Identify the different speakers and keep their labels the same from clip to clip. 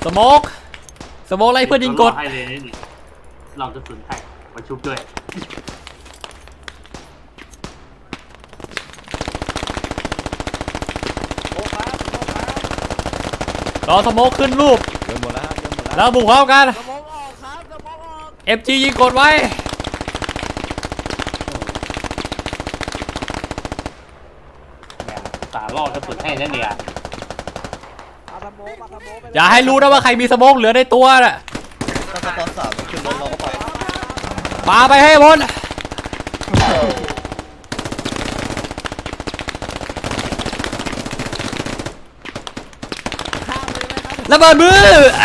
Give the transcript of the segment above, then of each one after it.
Speaker 1: สโมกอะไรเพื่อนยิงกด
Speaker 2: ให้เลยนี่เราจะสุนแตกมาชุบด้วย
Speaker 1: รอสโมกขึ้นรูป
Speaker 3: เดินหมดแล้ว
Speaker 1: แล้วบุกเข้ากัน
Speaker 4: สมองออกครับสมองออก
Speaker 1: FG ยิงกดไว้
Speaker 2: ตาล่อกระสุนให้นั่นเนี่ย
Speaker 1: อย่าให้รู้นะว่าใครมีสโมกเหลือในตัวน่ะ
Speaker 3: ก็ตอน3ขึ้นรถเราก็ไป
Speaker 1: ปาไปให้พ้นระเบิดมือ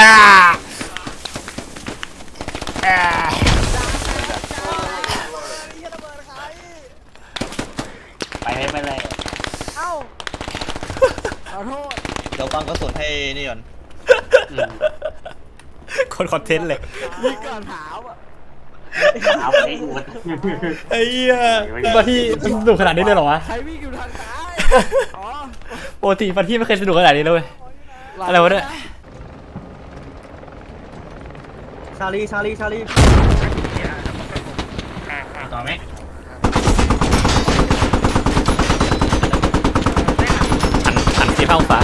Speaker 2: ไปเลย
Speaker 4: เอ้าขอโทษ
Speaker 3: เดี๋ยวฟังกระสุนให้นี่ก่อน
Speaker 1: คนคอนเทนต์เลย
Speaker 4: ยิงก่อนถามอ่ะ
Speaker 2: ถามไอ้อุด
Speaker 1: ไอ้เหี้ยมาที่สนุกขนาดนี้เลยเหรอวะ
Speaker 4: ใครวิ่งอยู่ทางซ้ายอ๋อ
Speaker 1: ปกติมาที่ไม่เคยสนุกขนาดนี้เลยอะไรวะเนี่ย
Speaker 3: ชาลี
Speaker 2: ต่อไหม
Speaker 1: หัน45 องศา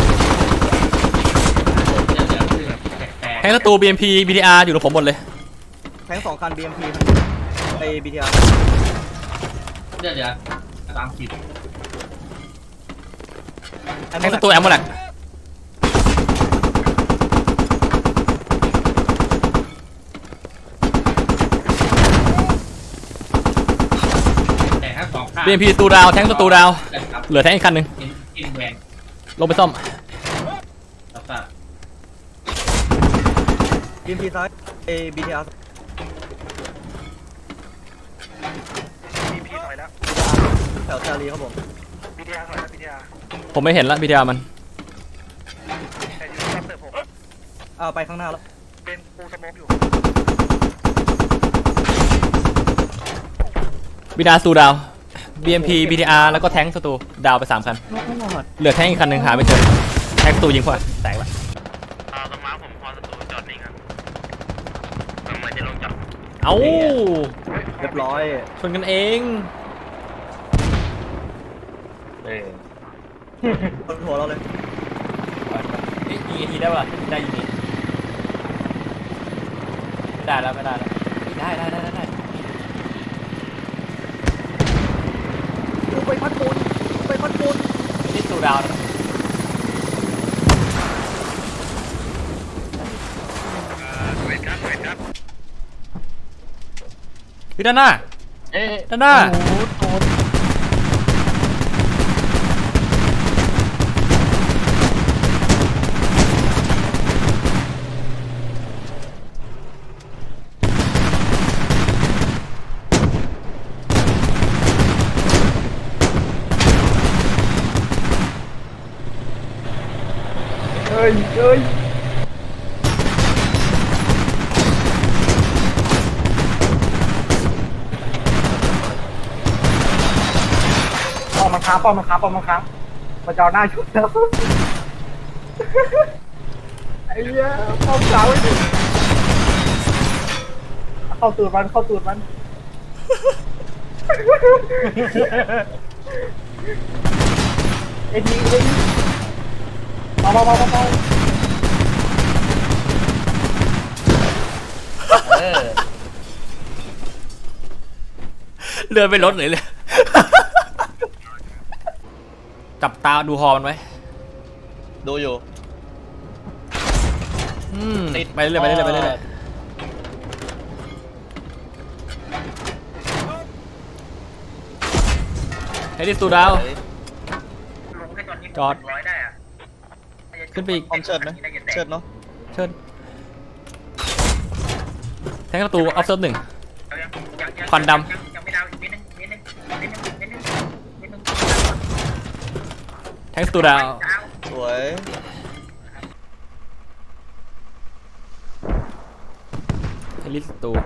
Speaker 1: แทงศัตรู BMP BTR อยู่กับผมหมดเลย
Speaker 3: แทง2 คัน BMP ไอ้ BTR
Speaker 2: เดี๋ยวตามผิด
Speaker 1: แทงศัตรูแอมโมแลกBMP ศัตรูดาวแทงศัตรูดาวเหลือแทงอีกคันหนึ่งลงไปซ่อม
Speaker 3: BMP ซ้ายไอ้ BTR BMP ถอยแล้วแถวชาลีครับผม BTR ถอยแล้ว BTR
Speaker 1: ผมไม่เห็นละ BTR มัน
Speaker 3: แต่อยู่ที่เติร์ผมไปข้างหน้าแล้วเป็นปูสโมกอยู่
Speaker 1: BTR ศัตรูดาว BMP BTR แล้วก็แทงศัตรูดาวไป3 คันเหลือแทงอีกคันหนึ่งหาไม่เจอแทงศัตรูยิงพอแตกละ
Speaker 2: ตรงม้าผมพอศัตรูจอดนิ่งครับเหมือนจะลงจอด
Speaker 1: เอ้า
Speaker 3: เรียบร้อย
Speaker 1: ชนกันเอง
Speaker 3: บนหัวเราเลย
Speaker 1: ยิงอีกทีได้ป่ะได้ยิงไม่ได้แล้วได้
Speaker 3: ไปพัดปูน
Speaker 1: นี่สูดาวนะพี่ด้านหน้าด้านหน้า
Speaker 3: ป้อมมันค้างมาจอหน้าชุดแล้วไอ้เหี้ยป้อมสาวเข้าตูดมันไอ้ทีมา
Speaker 1: เรือไปรถเลยจับตาดูฮอมันไว้
Speaker 3: ดูอยู่
Speaker 1: ไปเรื่อยให้ดิสูดาวจอดขึ้นไปอีก
Speaker 3: เชิดไหมเชิดเนาะ
Speaker 1: เชิญแทงประตูออฟเซิร์ฟ1ควันดำแทงประตูดาว
Speaker 3: สวย
Speaker 1: เฮลิสตู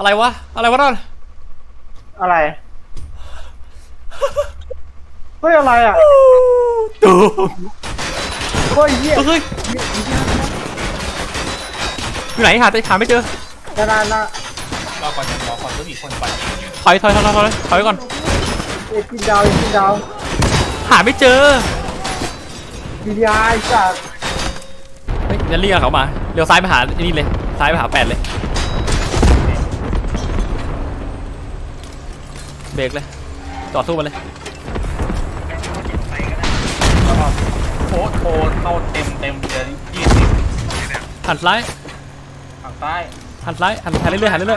Speaker 1: อะไรวะนั่น
Speaker 3: อะไรเฮ้ยอะไรอ่ะ
Speaker 1: ตู
Speaker 3: เฮ้ยเหี้ย
Speaker 1: เฮ้ยอยู่ไหนหาไม่เจอ
Speaker 3: นานนะ
Speaker 2: รอก่อนก็มีคนก่อน
Speaker 1: ถอยไว้ก่อน
Speaker 3: เอ็กินดาว
Speaker 1: หาไม่เจอ
Speaker 3: BTR จาก
Speaker 1: เฮ้ยจะเรียกเขามาเลี้ยวซ้ายไปหาไอ้นี่เลยซ้ายไปหา8เลยเบรกเลยจอดสู้มันเลย
Speaker 2: โค้ดเข้าเต็มเลย20
Speaker 1: หันซ้าย
Speaker 2: ฝั่งใต้
Speaker 1: หันเรื่อยๆ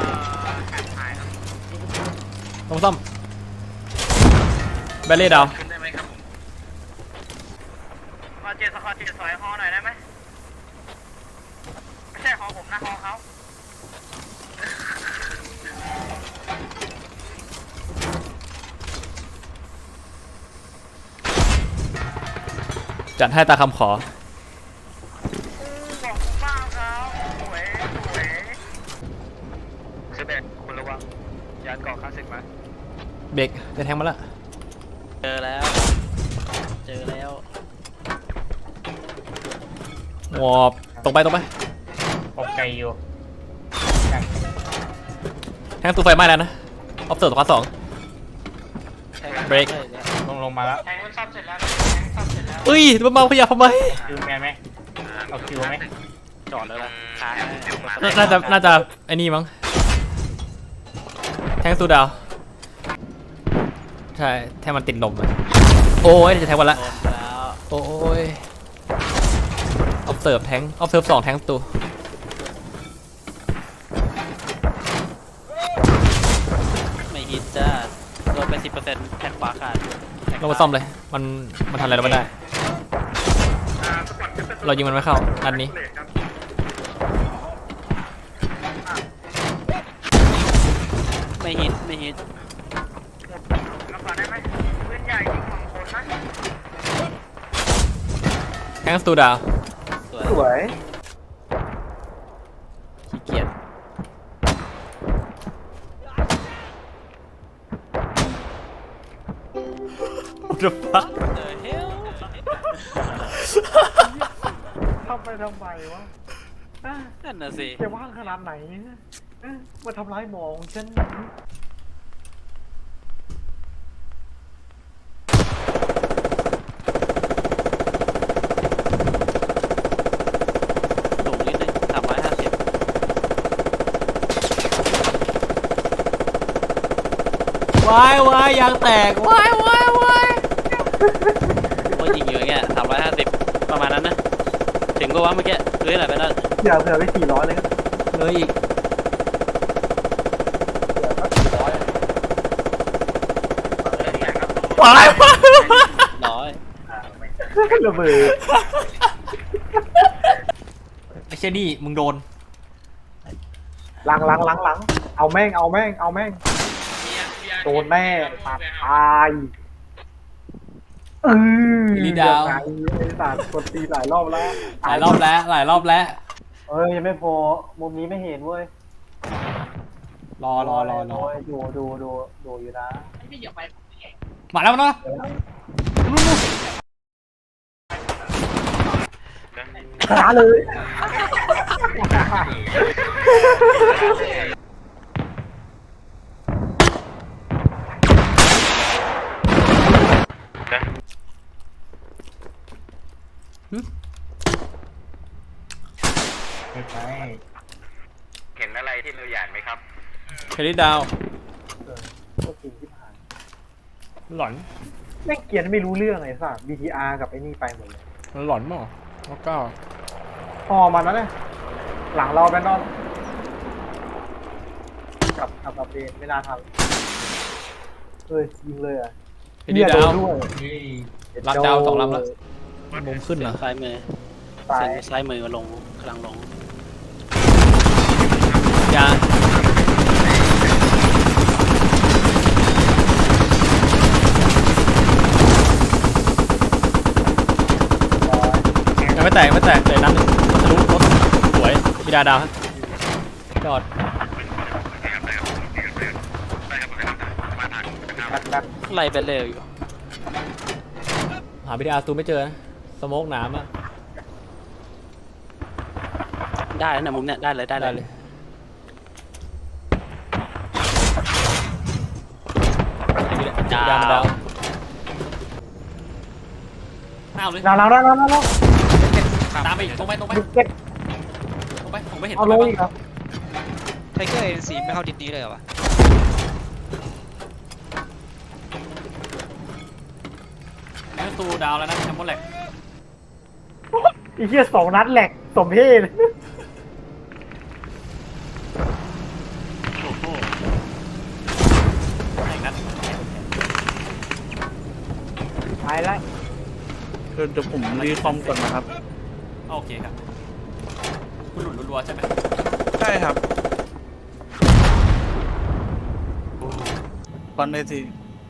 Speaker 1: ต้องซ่อมแบลเล่ดาว
Speaker 2: ขึ้นได้ไหมครับผมขอเจ็ดซอยฮอหน่อยได้ไหมไม่ใช่ฮอผมนะฮอเขา
Speaker 1: จัดให้ตาคำขอ
Speaker 2: บอกบ้างครับสวยเซเบตคุณระวังยานเกาะคลาสสิกมา
Speaker 1: เบรกจะแทงมาละ
Speaker 4: เจอแล้ว
Speaker 1: วอบตรงไป
Speaker 2: ปกไกอยู่
Speaker 1: แทงตู้ไฟไหม้แล้วนะออฟเซอร์ตัว2เบรก
Speaker 2: ลงมาแล้วแทงมันซับเสร็จแล้ว
Speaker 1: เอ้ยมันมาขยับทำไม
Speaker 2: คิวแมนไหมเอาคิวไหม
Speaker 4: จอดแล้วนะค้าง
Speaker 1: น่าจะไอ้นี่มั้งแทงตู้ดาวใช่แทงมันติดลมอะโอ้ยจะแทงวันละ
Speaker 4: โดนแล้ว
Speaker 1: โอ้ยออฟเซิร์ฟ2แทงตู้
Speaker 4: ไม่ฮิตจ้าโดนไป10%แท็กขวาขาด
Speaker 1: เรามาซ่อมเลยมันทำอะไรเราไม่ได้ เรายิงมันไม่เข้านัดนี้
Speaker 4: ไม่ฮิต
Speaker 2: รับก่อนได้ไหมปืนใหญ่ยิงของคนนะ
Speaker 1: แทงตู้ดาว
Speaker 3: สวย
Speaker 1: ขี้เกียจอุดฟัก
Speaker 4: เจอเฮล
Speaker 3: ทำไมวะ
Speaker 4: นั่นน่ะสิ
Speaker 3: จะว่างขนาดไหนมาทำร้ายหมอของฉัน
Speaker 4: สูงนิดนึง350
Speaker 1: วายวายยางแตกวายวายวาย
Speaker 4: ว่ายิงอยู่อย่างเงี้ย350ประมาณนั้นนะถึงก็ว่าเมื่อกี้หรืออะไรไปนั่น
Speaker 3: อย่าเผื่อไป400เลยครับ
Speaker 1: เลยอีก
Speaker 3: เผื่อสัก400
Speaker 1: วายวาย
Speaker 4: ร้อย
Speaker 3: ระเบิด
Speaker 1: ไอ้เชนี่มึงโดน
Speaker 3: หลังเอาแม่งโดนแน่ตัดตาย
Speaker 1: ลีดาว
Speaker 3: ไอ้สัตว์กดตีหลายรอบแล้ว
Speaker 1: หลายรอบแล้ว
Speaker 3: เอ้ยยังไม่พอมุมนี้ไม่เห็นเว้ย
Speaker 1: รอ
Speaker 3: โอ้ยดูอยู่นะ
Speaker 1: มาแล้วนะ
Speaker 3: ขาเลย
Speaker 2: เห็นอะไรที่เราหยาดไหมครับ
Speaker 1: เครดิตดาว
Speaker 3: ก็จริงที่ผ่าน
Speaker 1: หลอน
Speaker 3: แม่งเกียร์ไม่รู้เรื่องไอ้สัตว์ BTR กับไอ้นี่ไปหมดเลย
Speaker 1: มันหลอนมั้งแล้วก็
Speaker 3: พอมันนะเนี่ยหลังเราแบนนอนกับเดนไม่น่าทำเฮ้ยยิงเลยอ่ะ
Speaker 1: เครดิตดาว
Speaker 3: ด้วย
Speaker 1: รับดาว2 ลำแล้วมุมขึ้นเหรอ
Speaker 4: ซ้ายมือ
Speaker 3: ตาย
Speaker 4: เส้นซ้ายมือมาลงกำลังลง
Speaker 1: ยายังไม่แตกเลยนัดหนึ่งทะลุรถสวยมีดาวฮะจอด
Speaker 3: แบบ
Speaker 4: ไล่ไปเร็วอยู่
Speaker 1: หา BTR สตูไม่เจอนะสโมกหนามอะ
Speaker 4: ได้แล้วนะมุมเนี้ยได้เลยได้
Speaker 1: ได้
Speaker 4: เล
Speaker 1: เลย ยดาวดาวเอาเลย
Speaker 3: เรา
Speaker 1: ตามไปอีกตรงไป
Speaker 3: เก็บ
Speaker 1: ผมไม่เห็น
Speaker 3: เอาลงอีกครับ
Speaker 5: ไทเกอร์เอ็นซีไม่เข้าดิสนี้เลยเหรอวะ
Speaker 1: แม่งตูดาวแล้วนะแชมป์บอลแหลก
Speaker 3: ไอ้เหี้ย2 นัดแหลกสมเพศ
Speaker 1: โอ้โหไหนนัด
Speaker 3: ตายแล้ว
Speaker 6: เดี๋ยวผมรีคอมก่อนนะครับ
Speaker 1: โอเคครับคุณหลุดรัวๆใช่ไหม
Speaker 6: ใช่ครับคอนได้ที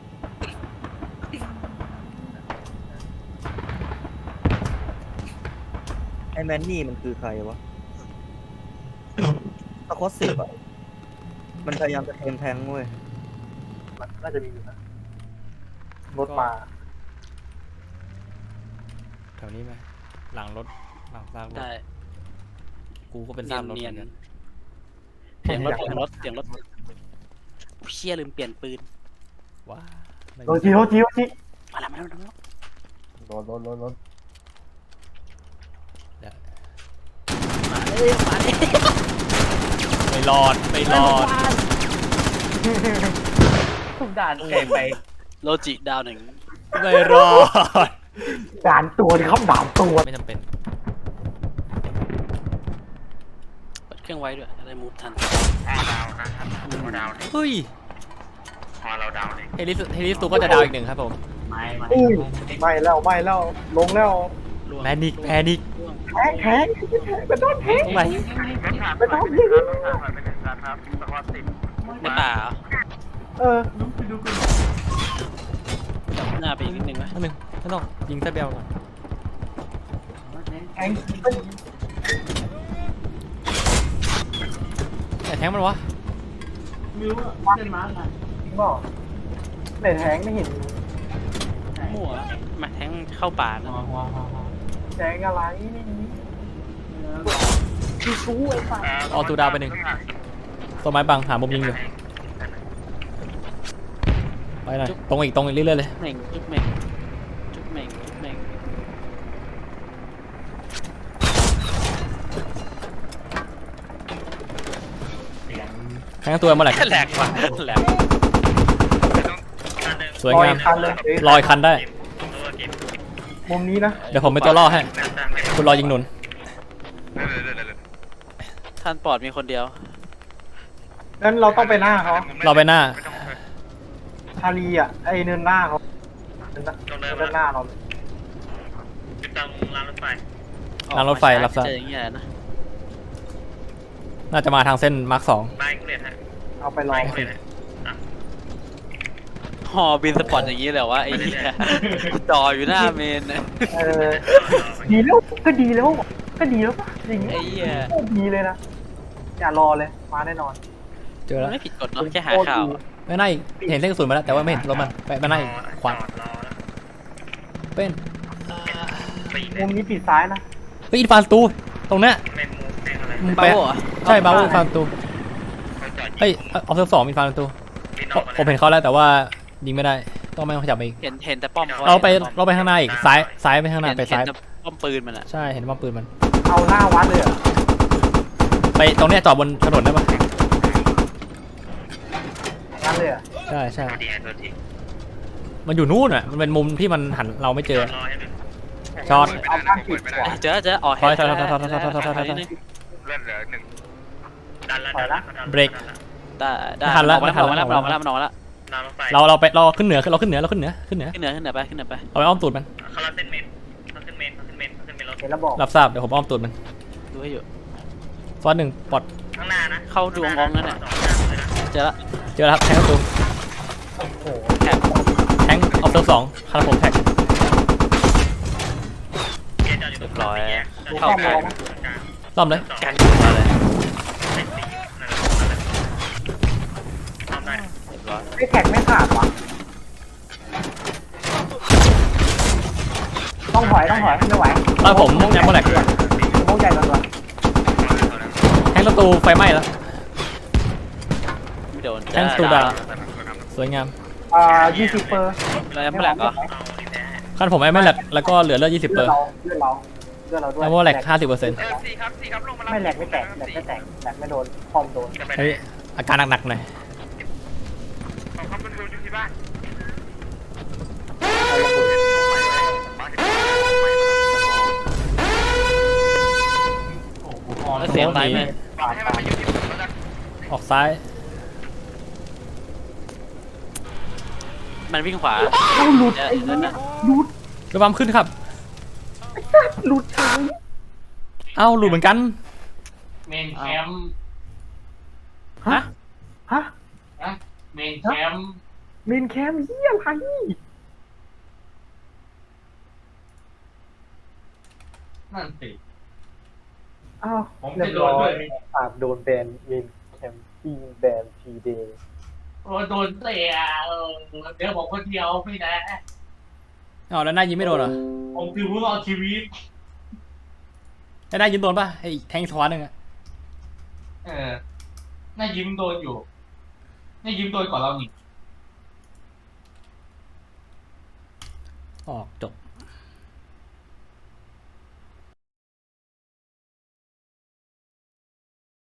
Speaker 3: ไอ้แมนนี่มันคือใครวะตะคอ10อ่ะมันพยายามจะเทมแทงเว้ยน่าจะมีอยู่นะรถมา
Speaker 1: แถวนี้ไหมหลังรถหลังซากรถ
Speaker 4: ได้
Speaker 1: กูก็เป็น
Speaker 4: เนี
Speaker 1: ซาย ก
Speaker 4: น
Speaker 1: รถ
Speaker 4: เนี
Speaker 1: เห
Speaker 4: ย
Speaker 1: มื
Speaker 4: น
Speaker 1: อนกัน
Speaker 4: เสียงรถเชี่ยลืมเปลี่ยนปืน
Speaker 1: ว้า
Speaker 3: โรจิ
Speaker 4: มาแล้ว
Speaker 3: รถ
Speaker 1: เดี๋ยว
Speaker 4: มาเลยมาเลย
Speaker 1: ไม่รอด
Speaker 3: ทุกด่านแก่ไป
Speaker 4: โลจิดาวหนึ่ง
Speaker 1: ไม่รอด
Speaker 3: ด่านตัวนี่เขาด่านตัว
Speaker 1: ไม่จำเป็น
Speaker 4: เปิดเครื่องไว้ด้วยจะได้มูฟทัน
Speaker 2: ดาวนะครับดาว
Speaker 1: เฮ้ย
Speaker 2: พอเราดาวเลย
Speaker 1: เฮลิสตูก็จะดาวอีกหนึ่งครับผม
Speaker 3: ไม่แล้วลงแล้ว
Speaker 4: ล่วง
Speaker 1: แพนิก
Speaker 4: ล่วง
Speaker 3: แพ้เป็นต้นแพ้
Speaker 1: ตรงไหน
Speaker 2: รถถังไปหนึ่งคันรถถังไปหนึ่งคันครับสกอต10
Speaker 4: ในป่าเหรอ
Speaker 3: เออ
Speaker 4: จับหน้าไปอีกนิดนึงไหม
Speaker 1: อันหนึ่งไม่ต้องยิงแซบเบลก่อน
Speaker 3: แอง
Speaker 1: แต่แทงมันวะ
Speaker 3: จริงป่ะในแทงไม่เห็น
Speaker 4: มั่วมาแทงเข้าป่านะ
Speaker 3: แทงอะไรคือชู้ไอ้ฝ่าย
Speaker 1: เอาตูดาวไปหนึ่งต้นไม้บังหามุมยิงอยู่ไปหน่อยตรงอีกเรื่อยๆเลย
Speaker 4: เหม่งจุ๊บเหม่งจุ๊บเหม่งจุ๊บเหม่ง
Speaker 1: แทงตัวเมื่อไหร่
Speaker 4: แหลกว่ะแหลก
Speaker 1: สวยงาม
Speaker 3: คันเลย
Speaker 1: ลอยคันได้
Speaker 3: มุมนี้นะ
Speaker 1: เดี๋ยวผมเป็นตัวล่อให้ คุณรอยิงหนุน
Speaker 4: ท่านปลอดมีคนเดียว
Speaker 3: งั้นเราต้องไปหน้าเขา
Speaker 1: เราไปหน้า
Speaker 3: ชาลีอ่ะไอเนินหน้าเขาเนินหน้าเรา
Speaker 2: ติดตามรางรถไฟ
Speaker 1: รางรถไฟรับทราบ
Speaker 4: เจออย่างเงี้ยนะ
Speaker 1: น่าจะมาทางเส้นมาร์ค
Speaker 2: ไปกูเลยฮะ
Speaker 3: เอาไปลอง
Speaker 2: กูเลย
Speaker 4: ฮอบินสปอร์ตอย่างงี้เลยว่าไอ้เหี้ยจออยู่หน้าเมนนะ
Speaker 3: เออดีแล้วก็ดีแล้วป่ะอย่างเงี้ย
Speaker 4: ไอ้เหี้ย
Speaker 3: ดีเลยนะอย่ารอเลยมาแน่นอน
Speaker 1: 2เจอ
Speaker 4: มั
Speaker 1: แล้
Speaker 4: น
Speaker 1: ว
Speaker 4: ไม่ผิดกฎเนาะแค่หาข่าวอะ
Speaker 1: ไม่น่าอีกเห็นเส้นกระสุนมาแล้วแต่ว่าไม่เห็นรถมันไปหน้าอีกขวา
Speaker 2: จอดรอแล้ว
Speaker 1: เป็น
Speaker 2: ปีน
Speaker 3: มุมนี้ปีซ้ายนะ
Speaker 1: เฮ้ยอินฟานตูตรงเนี้ย
Speaker 2: ไม่มูฟไม่อะไร
Speaker 1: มึง
Speaker 4: บา
Speaker 1: ไป
Speaker 4: โวเหรอ
Speaker 1: ใช่บาวูอินฟานตู
Speaker 2: เขาจอด
Speaker 1: เฮ้ยเอาเซิร์ฟ2อินฟานตู
Speaker 2: บินออก
Speaker 1: ผมเห็นเขาแล้วแต่ว่ายิงไม่ได้ต้องไม่ต้องขยับไปอีก
Speaker 4: เห็นแต่ป้อม
Speaker 1: เราไปข้างหน้าอีกซ้ายไปข้างหน้าไปซ้าย
Speaker 4: เห็นแต่ป้อมปืนมันอะ
Speaker 1: ใช่เห็นว่าปืนมัน
Speaker 3: เอาหน้าวัดเลยเหรอ
Speaker 1: ไปตรงเนี้ยจอดบนถนนได้ปะ
Speaker 3: งั้นเลยเหรอ
Speaker 1: ใช่ใช่
Speaker 2: ตัวดีตัวดี
Speaker 1: มันอยู่นู่นอ่ะมันเป็นมุมที่มันหันเราไม่เจอ
Speaker 2: รอให้ดู
Speaker 1: ช็อต
Speaker 3: เอาข้างปิดขวา
Speaker 4: เจออ๋อ
Speaker 1: ถอย
Speaker 4: นิดนึง
Speaker 2: เลื่อนเหลือหนึ่งดันแล้ว
Speaker 1: เบรก
Speaker 4: ได้ได้
Speaker 1: ไม่ทันละ
Speaker 4: มันออกมาแล้ว
Speaker 1: ไม่ทันละ
Speaker 4: มันออกมาแล้วมันออกมาแล้ว
Speaker 2: รางรถไฟ
Speaker 1: เราไปเราขึ้นเหนือขึ้นเหนือ
Speaker 4: ขึ้นเหนือขึ้นเหนือไปขึ้นเหนือไป
Speaker 1: เอาไปอ้อมตูดมัน
Speaker 2: เขาลัดเส้นเมนเขาขึ้นเมนเขาขึ้นเมนเขาขึ้นเมนรถ
Speaker 3: เห็นแล้วบอก
Speaker 1: รับทราบเดี๋ยวผมอ้อมตูดมัน
Speaker 4: ดูให้อยู่
Speaker 1: ซ้อนหนึ่งปลด
Speaker 2: ข้างหน้านะ
Speaker 4: เข้าดวงงนั่นน่ะเจอละ
Speaker 1: เจอแล้วครับแทงประตู
Speaker 3: โอ้โห
Speaker 4: แท็บ
Speaker 1: แทงออฟเซิร์ฟ2คาราผมแท็ก
Speaker 4: เรียบร้อยเข้า
Speaker 3: เข้า
Speaker 4: ไป
Speaker 3: มอง
Speaker 1: ซ่อมเลย
Speaker 4: กันมาเลย
Speaker 2: ทำได้
Speaker 4: เรียบร้อย
Speaker 3: ไอ้แท็กไม่ขาดวะต้องถอยไม่ไหว
Speaker 1: ตอนผมยังไม่แหลก
Speaker 3: โม่ใหญ่ก่อน
Speaker 1: แทงศัตรูไฟไหม้แล้ว
Speaker 4: ไม่โดน
Speaker 1: แทงศัตรูดาวสวยงาม
Speaker 3: 20เปอร์
Speaker 4: แล้วไม่แหลกเหรอ
Speaker 1: ขั้นผมไม่แหลกแล้วก็เหลือเลือด20เปอร์
Speaker 3: เลือดเราด้วย
Speaker 1: แล้วว่าแหลก50%
Speaker 2: สี่ครับลงมา
Speaker 3: ไม่แหลกไม่แตกแหลกไม่โดนคอมโดน
Speaker 1: เฮ้ยอาการหนักๆหน่อย
Speaker 2: ของเขาเป็นวิวอยู่ที่บ้าน
Speaker 4: แล้วเสียงไปไหม
Speaker 2: ให้มันมาอยู่ที่ผมแล้วกัน
Speaker 1: ออกซ้าย
Speaker 4: มันวิ่งขวา
Speaker 3: หลุด
Speaker 4: เดี๋ยวนะ
Speaker 1: ระวังขึ้นครับ
Speaker 3: หลุด
Speaker 1: เอ้าหลุดเหมือนกัน
Speaker 7: เมนแคมป์
Speaker 3: ฮะ
Speaker 7: เมนแคมป์
Speaker 3: มินแคมเยี่ยอะไร
Speaker 7: นั่นสิ
Speaker 3: อ้าว
Speaker 7: ผมจะโดนด้วยไหม
Speaker 3: อาจโดนแบนมินแคมปิ้งแบนทีเดย์
Speaker 7: โอ้โดนเตะเดี๋ยวผมคนเดียวไม่ได้
Speaker 1: อ๋อแล้วหน้ายิงไม่โดนเหรอ
Speaker 7: ผมคือผู้รอดชีวิต
Speaker 1: แล้วหน้ายิงโดนป่ะไอ้แทงช้อนหนึ่งอะ
Speaker 7: น่ายิ้มโดนอยู่น่ายิ้มโดนก่อนเราหนิ
Speaker 1: ออกจบ